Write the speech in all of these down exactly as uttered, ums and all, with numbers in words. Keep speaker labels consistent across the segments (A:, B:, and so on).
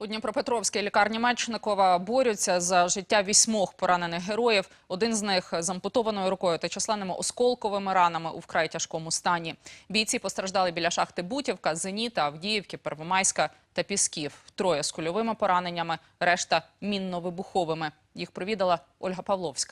A: Дніпропетровській лікарні Мечникова борються за життя вісьмох поранених героїв. Один з них з ампутованою рукою та численними осколковими ранами у вкрай тяжкому стані. Бійці постраждали біля шахти Бутівка, Зеніта, Авдіївки, Первомайська та Пісків. Троє з кульовими пораненнями, решта мінно-вибуховими. Їх провідала Ольга Павловська.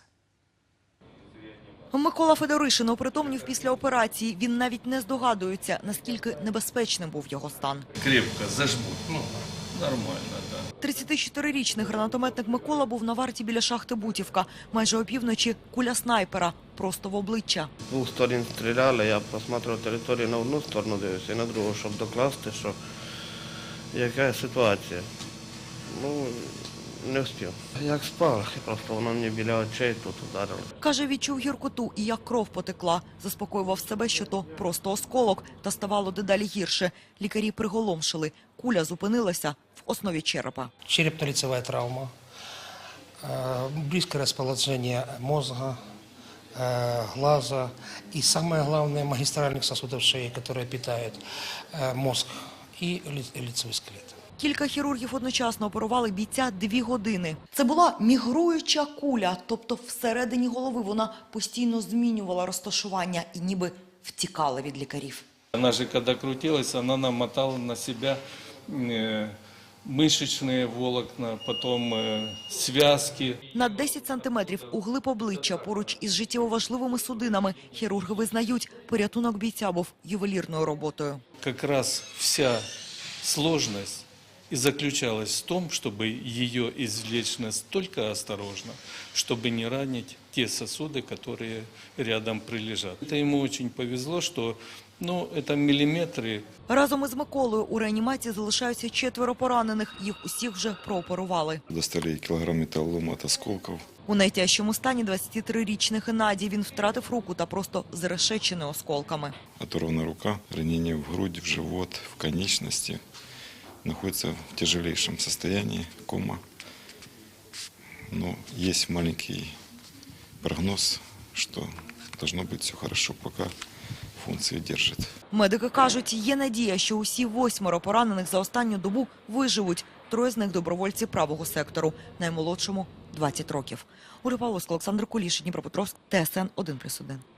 B: Микола Федоришин опритомнів після операції. Він навіть не здогадується, наскільки небезпечним був його стан.
C: Крепко зажмуть, ну, нормально, так.
B: тридцятичотирирічний гранатометник Микола був на варті біля шахти Бутівка. Майже опівночі куля снайпера просто в обличчя.
D: З двох сторін стріляли, я просматривав територію на одну сторону, дивився, і на другу, щоб докласти, що яка ситуація. Ну, не встиг. Як спав, просто воно мені біля очей тут ударило.
B: Каже, відчув гіркоту і як кров потекла. Заспокоював себе, що то просто осколок, та ставало дедалі гірше. Лікарі приголомшили. Куля зупинилася в основі черепа.
E: Черепно-лицевая травма, близкое расположение мозга, глаза и, самое главное, магистральных сосудов шеи, которые питают мозг и лицевой скелет.
B: Кілька хірургів одночасно оперували бійця дві години. Це була мігруюча куля, тобто всередині голови вона постійно змінювала розташування і ніби втікала від лікарів.
C: Она же, когда крутилась, она намотала на себя мышечные волокна, потом связки.
B: На десять сантиметрів углиб обличчя поруч із життєво важливими судинами хірурги визнають, порятунок бійця був ювелірною роботою.
C: Как раз вся сложность и заключалась в том, чтобы ее извлечь настолько осторожно, чтобы не ранить те сосуды, которые рядом прилежат. Это ему очень повезло, что ну, это миллиметры.
B: Разом із Миколою у реанімації залишаються четверо поранених. Їх усіх вже прооперували.
F: Достали кілограм металлолома від осколків.
B: У найтяжчому стані двадцятитрирічний Геннадій. Він втратив руку та просто зрешечений осколками.
F: Оторвана рука, ранення в грудь, в живот, в конечності. Находится в тяжелейшем состоянии, кома. Но есть маленький прогноз, что должно быть все хорошо, пока функции держит.
B: Медики кажуть, є надія, що усі восьмеро поранених за останню добу виживуть. Троє з них – добровольці правого сектору, наймолодшому – двадцять років. Ольга Павловська, Олександр Куліш, Дніпропетровськ, Т С Н один плюс один.